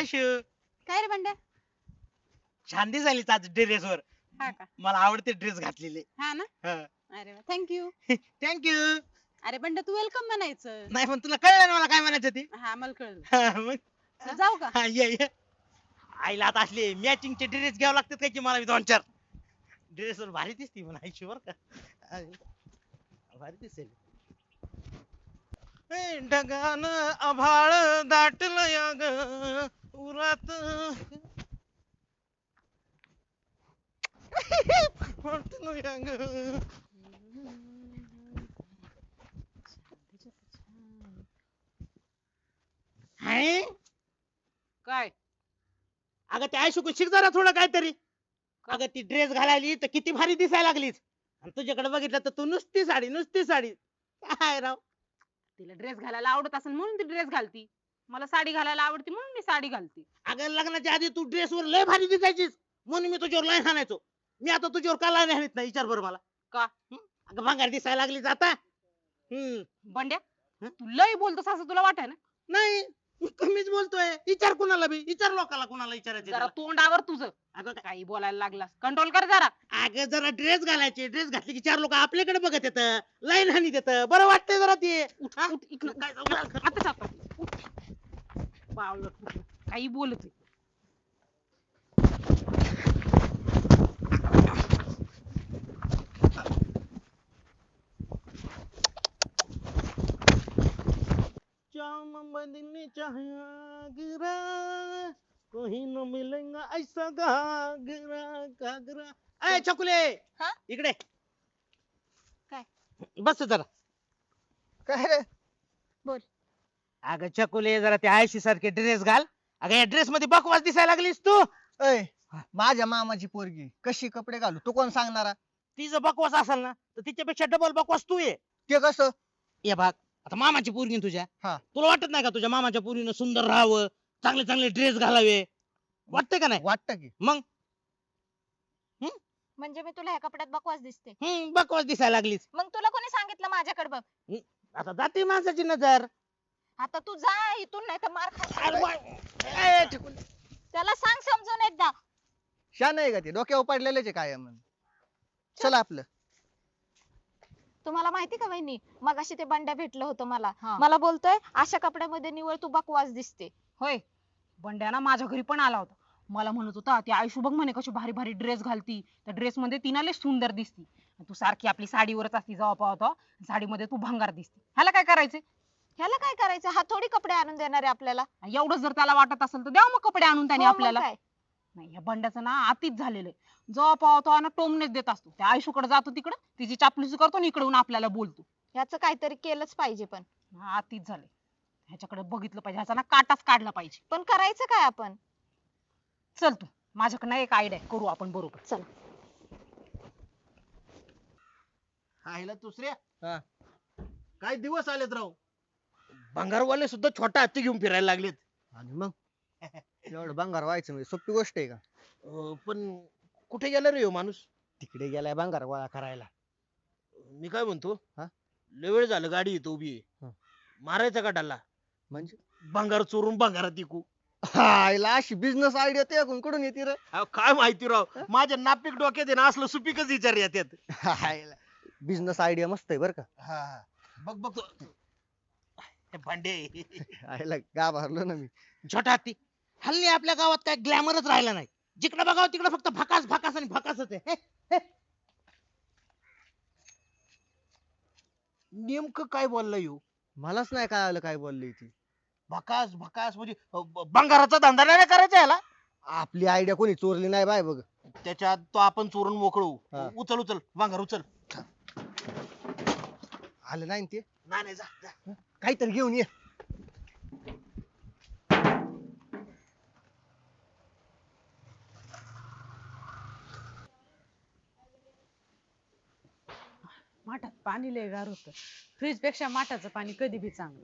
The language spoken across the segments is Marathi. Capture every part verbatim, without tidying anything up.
आयशू काय रे बंड्या? छान दिसायलीस आज ड्रेस वर. हा का? मला आवडते ड्रेस घातलेले. हा ना? अरे वा, थँक्यू. थँक्यू. अरे बंड्या, तू वेलकम म्हणायचं. नाही पण तुला कळलं ना मला काय म्हणायचं ते. हा, मला कळलं. हा, मग चल, जाऊ का? हा, ये ये. आईला आता असले मॅचिंगचे ड्रेस घ्यावे लागतात काय की मला बी दोन चार. ड्रेस वर भारी दिसती म्हणा आयशू बर का. अरे, भारी दिसेल. ए, ढगान आभाळ दाटलं या ग उरात वाटलं या ग. हाय काय? अगं ते आयशू शिक जरा थोडं काहीतरी. अगं ती ड्रेस घालायली तर किती भारी दिसायला लागलीच. आणि तुझ्याकडे बघितलं तर तू नुसती साडी नुसती साडी. काय राव. तिला ड्रेस घालायला आवडत असेल म्हणून ती ड्रेस घालती. मला साडी घालायला आवडते म्हणून मी साडी घालते. अगं लग्नाच्या आधी तू ड्रेस वर लय भारी दिसायचीस म्हणून मी तुझ्यावर लाईन हाणायचो. मी आता तुझ्यावर का लाईन हाणत नाही विचार बरं मला. का? हं? अगं भांगार दिसायला लागलीच आता. हम्म बंड्या, हं? तू लय बोलतोस असं तुला वाटाय ना? नाही मी कमीच बोलतोय. विचार कुणाला बी विचार लोकाला कुणाला विचारायचे जरा त्याला. तोंडावर तुझं. अगं काय- काही बोलायला लागलास, कंट्रोल कर जरा. अगं जरा ड्रेस घालायचे ड्रेस घातले की चार लोक आपल्याकडे बघत येत लाईन हानी देत बरं वाटतंय जरा ते. हा? उठ, इकडं. काय जाऊ- आता आता. उठ. बावळट कुठलं. काही बोलत. जाम बदलने चाहा गिरा कोई न मिलेगा ऐसा घागरा घागरा. अय छकुले हा? इकडे काय? बस जरा. काय रे? बोल. अगं छकुले जरा त्या आयशी सारखे ड्रेस घाल. अगं या ड्रेस मध्ये बकवास दिसायला लागलीस तू. ऐ माझ्या मामाची पोरगी कशी कपडे घालू तू कोण सांगणारा? तिचं बकवास असेल ना तर तिच्यापेक्षा डबल बकवास तू ये. ते कसं? ये भाग आता मामाची पोरगी तुझ्या. हा. तुला वाटत नाही का तुझ्या मामाच्या पोरीनं सुंदर राहावं चांगले चांगले ड्रेस घालावे वाटतंय का नाही? वाटत की मग म्हणजे मी तुला ह्या कपड्यात बकवास दिसते? हम्म बकवास दिसायला लागलीस. मग तुला कोणी सांगितलं माझ्याकडे बघ? आता जाते माणसाची नजर. आता तू जा इथून, नाही तर मार खा. अरे वा- ए, छकुली. त्याला सांग समजून एकदा. शान आहे का ते डोक्यावर पडलेलेच आहे काय म्हण. चला आपलं. तुम्हाला माहिती का वहिनी, मग अशी ते बंड्या भेटलं होतं मला. हा. मला बोलतोय अशा कपड्यामध्ये निवळ तू बकवास दिसते. होय. बंड्या ना माझ्या घरी पण आला होता. मला म्हणत होता ती आयशू बघ म्हणे कशी भारी भारी ड्रेस घालती, त्या ड्रेस मध्ये ती ना लय सुंदर दिसती. तू सारखी आपली साडीवरच असती जेव्हा पाहतो, साडीमध्ये तू भंगार दिसती. ह्याला काय करायचंय? ह्याला काय करायचं? हा थोडी कपडे आणून देणार आहे आपल्याला. एवढं जर त्याला वाटत असेल तर द्या मग कपडे आणून त्याने हो, मग आपल्याला. काय? नाही, ह्या बंड्याचं ना आतीच झालेलं आहे. जेव्हा पाहतो ना टोमनेच देत असतो. त्या आयशूकडे जातो तिकडं तिची चापलूसी करतो आणि इकडून आपल्याला बोलतो. ह्याचं काहीतरी केलंच पाहिजे. पण हा, आतीच झाले. ह्याच्याकडे बघितलं पाहिजे, ह्याचा ना काटाच काढला पाहिजे. पण करायचं काय आपण? चल तू, माझ्याकडे ना एक आयडिया करू आपण बरोबर. चल. हायला दुसऱ्या हा. काय दिवस आलेत राव. भंगारवाले सुद्धा छोटा हत्ती घेऊन फिरायला लागलेत. आणि मग एवढं भंगार व्हायचं म्हणजे सोपी गोष्ट आहे का? अं, पण कुठे गेला रे ह्यो माणूस. तिकडे गेलाय भंगार गोळा करायला. मी काय म्हणतो हा? लय वेळ झालं गाडी इथं उभी आहे. हा. मारायचा का डाला म्हणजे भंगार चोरून भंगारात इकू. हायला अशी बिझनेस आयडिया ते कुठून येते रे? अहो, काय माहिती राव माझ्या नापिक डोक्यात आहे ना असलं सुपीकच विचार येतात. हायला बिझनेस आयडिया मस्त आहे बर का. हा हा. बघ बघ तो- हे भांडे हायला गाभारलो ना मी. छोटा हत्ती. हल्ली आपल्या गावात काय ग्लॅमरच राहिला नाही. जिकडे बघावं तिकडे फक्त भकास भकास आणि भकासच आहे. हे, हे. नेमकं काय बोलला येऊ. मलाच नाही कळालं काय बोलली ती. भकास भकास म्हणजे अ, ब- भंगाराचा धंदा नाही ना करायचा याला. आपली आयडिया कोणी चोरली नाही बाय बघ. त्याच्यात तो आपण चोरून मोकळू. हा. उचल उचल भंगार उचल. आलं नाही ना ते. नाही नाही, जा जा. काहीतरी घेऊन ये. माठात पाणी लय गार होत. फ्रीज पेक्षा माठाचं पाणी कधी बी चांगलं.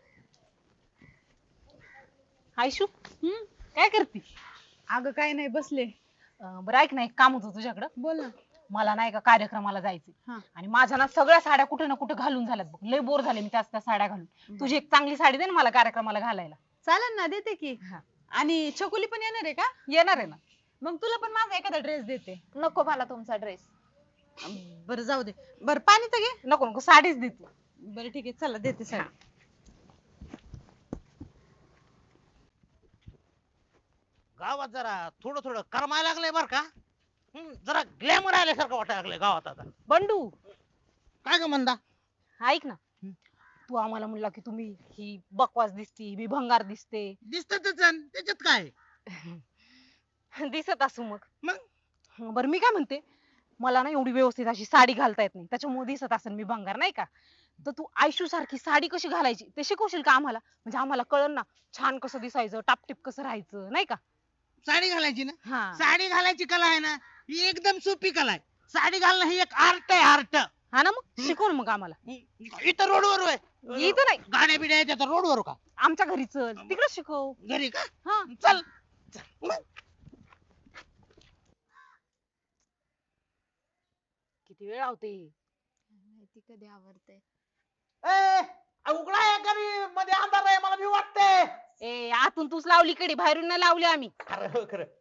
आयशू, हम्म काय करती? अगं काय नाही बसले. अं, बरं ऐक ना, एक काम होतं तुझ्याकडं. बोल ना. मला ना एका कार्यक्रमाला जायचे हा. आणि माझ्या ना सगळ्या साड्या कुठे ना कुठे घालून झाल्यात बघ. लय बोर झाले मी त्या त्या साड्या घालून. तुझी एक चांगली साडी दे ना मला कार्यक्रमाला घालायला. चालेल ना, देते की. हा. आणि छकुली पण येणार आहे का? येणार आहे ना. मग तुला पण माझा एखादा ड्रेस देते. नको मला तुमचा ड्रेस. बरं जाऊ दे. बरं पाणी तर घे. नको नको साडीच दे तू. बरं ठीक आहे चला देते साडी. गावात जरा थोडं थोडं करमायला लागलंय बर का. हम्म, जरा ग्लॅमर आल्यासारखं वाटायला लागलंय गावात आता. बंडू काय ग म्हणता? ऐक ना, तू आम्हाला म्हणला की तुम्ही ही बकवास दिसती मी भंगार दिसते. दिसतच त्याच्यात काय. दिसत असू मग. मग बरं मी काय म्हणते, मला ना एवढी व्यवस्थित अशी साडी घालता येत नाही, त्याच्यामुळे दिसत असेल मी भंगार नाही का. तर तू आयशू सारखी साडी कशी घालायची ते शिकवशील का आम्हाला? म्हणजे आम्हाला कळन ना छान कसं दिसायचं, टापटीप कसं राहायचं नाही का. साडी घालायची ना. हा साडी घालायची कला आहे ना, ही एकदम सोपी कला आहे. साडी घालणं ही एक आर्ट आहे, आर्ट. हा ना मग शिकव ना मग आम्हाला. इथं रोडवर आहे. इथं नाही, गाड्या बिड्या येतात रोडवर का? आमच्या घरी चल तिकडे शिकव. घरी का? हा चल चल. मग. किती वेळ लावते. माहिती कधी आवडते. ए, उघडा आहे घरी, मध्ये अंधार आहे, मला भी वाटतंय. ए आतून तूच लावली कडी, बाहेरून नाही लावली आम्ही. खरं हो, खरं.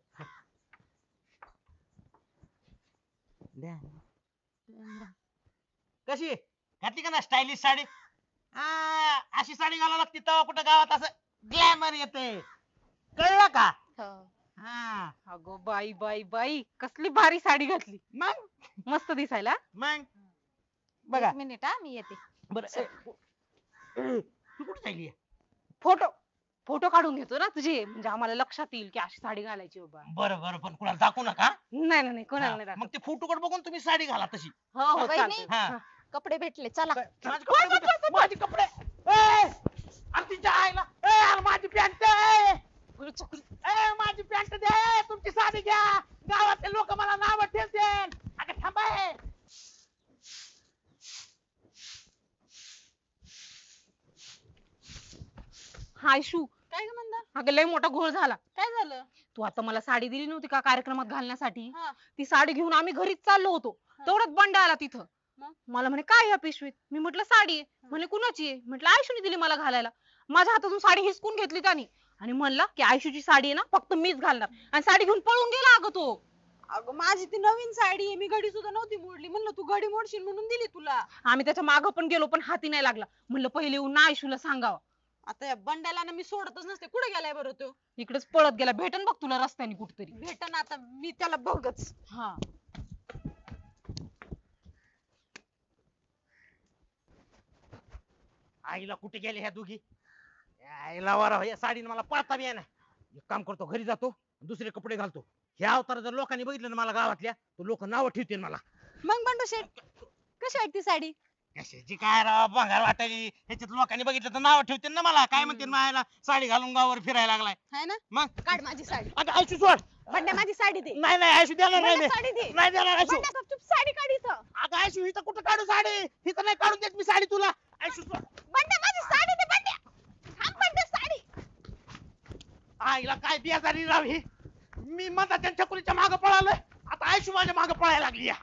द्या. कशी घातली का ना स्टायलिश साडी? आ, अशी साडी घालावं लागते तेव्हा कुठं गावात असं ग्लॅमर येते. कळलं का? हो. हा. अगो बाई बाई बाई कसली भारी साडी घातली, मग मस्त दिसायला. मग बघा एक मिनिट हा मी येते. बर. तू कुठे चालली? फोटो फोटो काढून घेतो ना तुझे, म्हणजे आम्हाला लक्षात येईल की अशी साडी घालायची बाबा. बरं बरं, पण कुणाला दाखवू नका. नाही नाही नाही, कोणाला नाही हा, मग दाखवत. ते फोटो कडे बघून तुम्ही साडी घाला तशी. हो हो वहिनी. चालतंय. हा. कपडे भेटले चला. माझे कपडे कुठे? माझे कपडे. ए, अरे तिच्या आईला. ए, अरे माझी पॅन्ट. बरं, चुकलं. ए, माझी पॅन्ट दे. तुमची साडी घ्या. गावातले लोक मला नाव ठेवतील. अगं थांबा. हे. हाय शू, काय ग म्हणता? अगं लय मोठा घोळ झाला. काय झालं? तू आता मला साडी दिली नव्हती का कार्यक्रमात घालण्यासाठी, हा. ती साडी घेऊन आम्ही घरीच चाललो होतो. तेवढ्यात बंडा आला तिथं. मग? मला म्हणे काय या पिशवीत? मी म्हटलं साडी आहे. म्हणे कुणाची आहे? म्हटलं आयशूने दिली मला घालायला. माझ्या हातातून साडी हिसकून घेतली त्याने आणि म्हणला की आयशूची साडी आहे ना फक्त मीच घालणार, आणि साडी घेऊन पळून गेला अगं तो. अगं माझी ती नवीन साडी आहे, मी घडी सुद्धा नव्हती मोडली. म्हणलं तू घडी मोडशील म्हणून दिली तुला. आम्ही त्याच्या मागं पण गेलो पण हाती नाही लागला. म्हणलं पहिले येऊन ना आयशूला सांगावं. आता या बंड्याला ना मी सोडतच नसते. कुठे गेलाय बरं तो? इकडेच पळत गेला. भेटन बघ तुला रस्त्याने कुठतरी. भेटन आता मी त्याला बघच. हा आईला कुठे गेले ह्या दोघी? आईला वारा या साडीने मला पळता बी ना. एक काम करतो, घरी जातो, दुसरे कपडे घालतो. ह्या अवतार जर लोकांनी बघितलं ना मला गावातल्या, तर लोक नाव ठेवतील मला. मग बंडू शेठ कशी आहे ती साडी? कशाची काय राव, भंगार वाटायची. ह्याच्यात लोकांनी बघितलं तर नाव ठेवतील ना मला. काय म्हणतील मायला साडी घालून गावावर फिरायला लागलाय. है ना? मग काढ माझी साडी. अगं आयशू सोड. बंड्या माझी साडी दे. नाही नाही आयशू देणार नाही बंड्या मी. साडी दे. नाही देणार आयशू. बंड्या गपचूप साडी काढ इथं. अगं आयशू इथं कुठं काढू साडी? इथं नाही काढून देत मी साडी तुला. आयशू सोड. बंड्या माझी साडी दे. बंड्या थांब. बंड्या साडी. आईला काय बियाजारी राव ही. मी माझा त्यांच्या कुलीच्या मागे पळालोय, आता आयशू माझ्या मागे पळायला लागली या.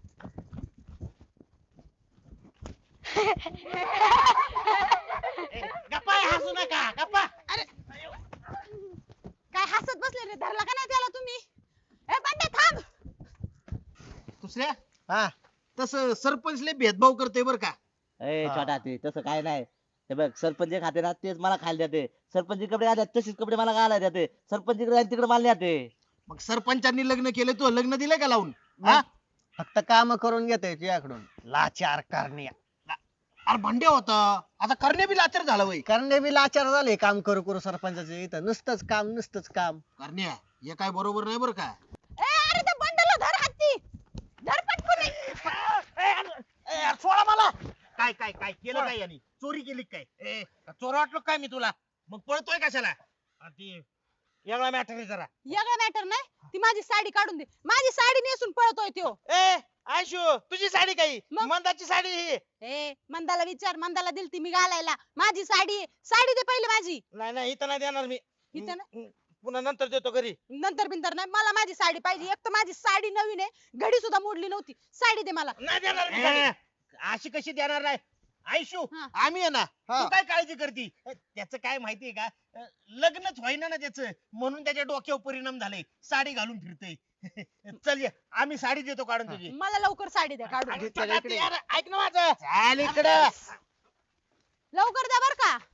ए, गप्पा आहे, हसू नका गप्पा. अरे काय हसत बसले रे? धरला का नाही त्याला तुम्ही? ए बंड्या थांब. दुसऱ्या हा तसं सरपंच लय भेदभाव करते बर का. ए हा. छोटा ते तसं काय नाही. हे बघ सरपंच जे खाते ना तेच मला खायला देते. सरपंच कपडे घालतात तसेच कपडे मला घालायला देते. सरपंच इकडे आणि तिकडे मला देते. मग सरपंचांनी लग्न केलं तू लग्न दिलंय का लावून? हा? फक्त काम करून घेते तुझ्याकडून. लाचार करणे. अरे भांडे होता आता करणे बी लाचार झाला वय. करणे बी लाचार झाले काम करू करू सरपंचाचे. इथं नुसतंच काम नुसतंच काम. करण्या हे काय बरोबर नाही बर का. ए अरे त्या बंड्याला धर हत्ती. धर पटकन. ए, अरे, ए, अरे, सोडा मला. काय काय काय केलं काय यांनी? चोरी केली काय? ए, चोर वाटलो काय मी तुला? मग पळतोय कशाला? अरे, ती वेगळा मॅटर आहे जरा. यागा मॅटर नाही. ती माझी साडी काढून दे. माझी साडी नेसून पळतोय तो. ए आयशू, तुझी साडी काही मग? मंदाची साडी ही. ए मंदाला विचार. मंदाला दिलती मी घालायला. माझी साडी आहे. साडी दे पहिले माझी. नाही नाही इथं नाही देणार मी. इथं हम्म, पुन्हा नंतर देतो घरी. नंतर बिंतर नाही. मला माझी साडी पाहिजे. एक तर माझी साडी नवीन आहे. घडी सुद्धा मोडली नव्हती. साडी दे मला. नाही देणार मी साडी. अशी कशी देणार नाही? आयशू हा. आम्ही आहे ना हा. तू काय काळजी करती त्याचं काय माहितीये का अं, लग्नच व्हायना ना त्याचं म्हणून त्याच्या डोक्यावर परिणाम झाले साडी घालून फिरतोय चल ये आम्ही साडी देतो काढून तुझी मला लवकर साडी द्या काढून अरे, इकडे, चला इकडे. ते यार, ऐक ना माझं चाल इकडं लवकर द्या बर का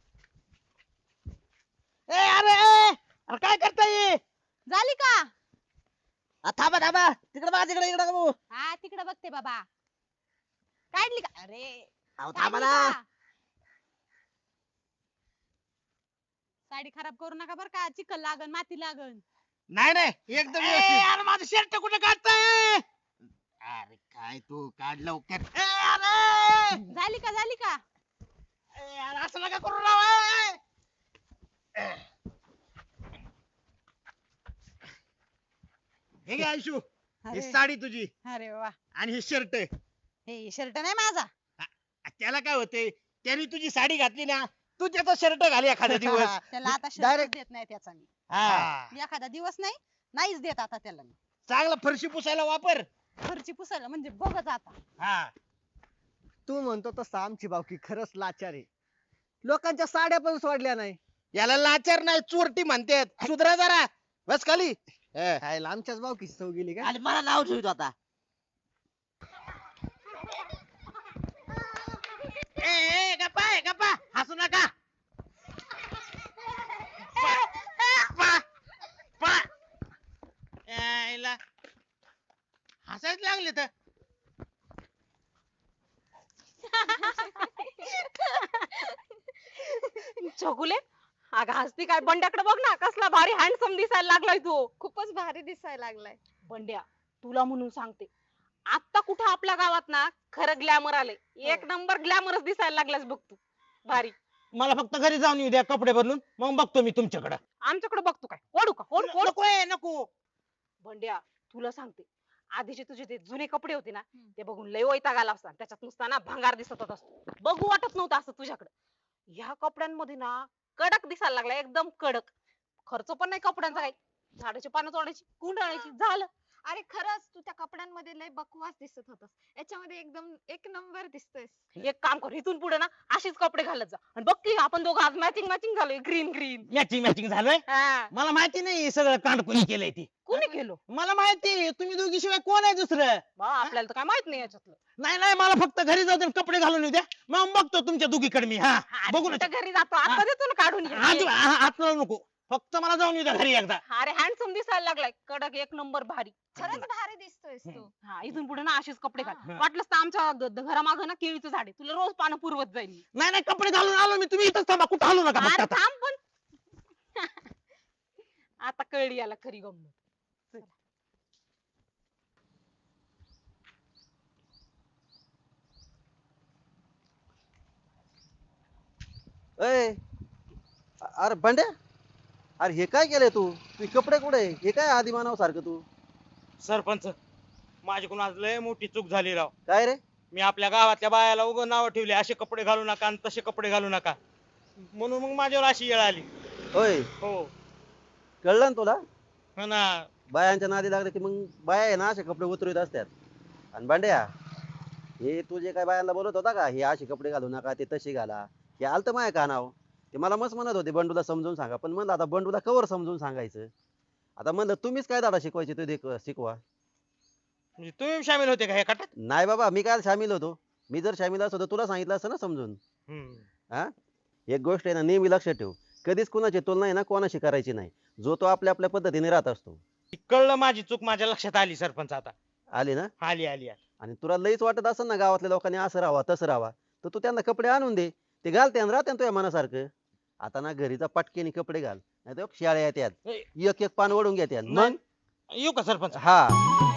ए अरे ए, अरे काय करताय झाली का आ, थांबा थांबा तिकडे बघा तिकडे इकडे बघू हा तिकडे बघते बाबा काढली का अरे अहो, काढली थांबा ना का? साडी खराब करू नका बर का चिखल लागन माती लागन नाही नाही एकदम अरे माझं शर्ट कुठे काढताय अरे काय तू काढ लवकर ए, अरे झाली का झाली का ए, अरे असं नका करू राव ए. हे घे आयशू ही अरे साडी तुझी अरे वा आणि हे शर्ट हे शर्ट नाही माझा त्याला काय होते त्याने तुझी साडी घातली ना तू त्याचा शर्ट घाल एखादा दिवस त्याला आता शर्ट Direct- देत नाही त्याचा मी हा मी एखादा दिवस नाही नाहीच देत आता त्याला मी चांगला फरशी पुसायला वापर फरची पुसायला म्हणजे बघत आता हा तू म्हणतो तसं आमची बावकी खरंच लाचार आहे लोकांच्या साड्या पण सोडल्या नाही याला लाचार नाही चोरटी म्हणतात सुधरा जरा बस खाली ए, खायला आमच्याच बावकीची चव गेली का आणि मला नाव ठेवतो आता ए, ए, गप्पा आहे गप्पा हसू नका पा, पा. यायला हसायच लागले तर छकुले अगं हसती काय बंड्याकडे बघ ना कसला भारी हँडसम दिसायला लागलाय तू खूपच भारी दिसायला लागलाय बंड्या तुला म्हणून सांगते आता कुठं आपल्या गावात ना खरं ग्लॅमर आले एक नंबर ग्लॅमरच दिसायला लागलास बघ तू भारी मला फक्त घरी जाऊन येऊ द्या कपडे बदलून मग बघतो मी तुमच्याकडे आमच्याकडे बघतो काय ओढू का ओढ ओढ नको आहे, नको बंड्या तुला सांगते आधीचे तुझे ते जुने कपडे होते ना ते बघून लय वैताग आला असता त्याच्यात नुसता ना भंगार दिसत होता बघू वाटत नव्हतं असं तुझ्याकडे ह्या कपड्यांमध्ये ना कडक दिसायला लागला एकदम कडक खर्च पण नाही कपड्यांचा काही झाडाची पानं तोडायची गुंडाळायची झालं अरे खरंच तू त्या कपड्यांमध्ये लय बकवास दिसत होतास याच्यामध्ये एकदम एक नंबर दिसतोयस एक काम कर इथून पुढे ना अशीच कपडे घालत जा आणि बघ की आपण दोघं आज मॅचिंग मॅचिंग झालोय ग्रीन ग्रीन मॅचिंग मॅचिंग झालंय मला माहिती नाही हे सगळं कांड कोणी केलंय ती कोणी केलं मला माहिती तुम्ही दोघी शिवाय कोण आहे दुसरं बा आपल्याला तर काय माहित नाही याच्यातलं नाही नाही मला फक्त घरी जाऊ दे कपडे घालून येऊ द्या मग बघतो तुमच्या दोघीकडे मी हा अरे बघू ना कुठं घरी जातो आता देतो ना काढून आज हे. आत नको फक्त मला जाऊन येऊ द्या घरी एकदा अरे हँडसम दिसायला लागलाय कडक एक नंबर भारी खरंच भारी दिसतोयस तू हा इथून पुढे ना अशीच कपडे घाल हा. वाटलंच तर आमच्या ग- घरामागं ना केळीचं झाड आहे तुला रोज पानं पुरवत जाईल मी. नाही नाही कपडे घालून आलो मी तुम्ही इथंच थांबा कुठं हलू नका फक्त अरे आता. थांब पण आता कळली याला खरी गंमत चल. अय अरे बंड्या अरे हे काय केलंय तू तू कपडे कुठे हे काय आधी मानव सारखं तू सरपंच माझ्याकडून आज लय मोठी चूक झाली राव काय रे मी आपल्या गावातल्या बायाला उगं नाव ठेवले असे कपडे घालू नका आणि तसे कपडे घालू नका म्हणून मग माझ्यावर अशी वेळ आली होय हो कळलं ना तुला हो ना बायांच्या नादी लागले की मग बाया आहे ना असे कपडे उतरवीत असतात आणि बंड्या हे तू जे काय बायांना बोलत होता का हे असे कपडे घालू नका ते तसे घाला हे आलत माय का नाव ते मला मस्त म्हणत होते बंडूला समजून सांगा पण म्हणलं आता बंडूला कवर समजून सांगायचं आता म्हणलं तुम्हीच काय दादा शिकवायचे ते देख- शिकवा म्हणजे तुम्ही सामील होते का ह्या कटात नाही बाबा मी काय सामील होतो मी जर सामील असतो तर तुला सांगितलं असतं ना समजून हम्म. हा एक गोष्ट आहे ना नेहमी लक्षात ठेव कधीच कुणाची तुलना आहे ना कोणाशी करायची नाही जो तो आपल्या आपल्या पद्धतीने राहत असतो कळलं माझी चूक माझ्या लक्षात आली सरपंच आता आली ना आली आली आली. आणि तुला लईच वाटत असेल ना गावातल्या लोकांनी असं राहावा तसं राहावा तर तू त्यांना कपडे आणून दे ते घालते आणि राहते ना तुझ्या मनासारखं आता ना घरीचा पटकेने कपडे घाल नाही तर शाळा येतात ए, एक एक पान ओढून घेतात मग नाही. येऊ का सरपंच हा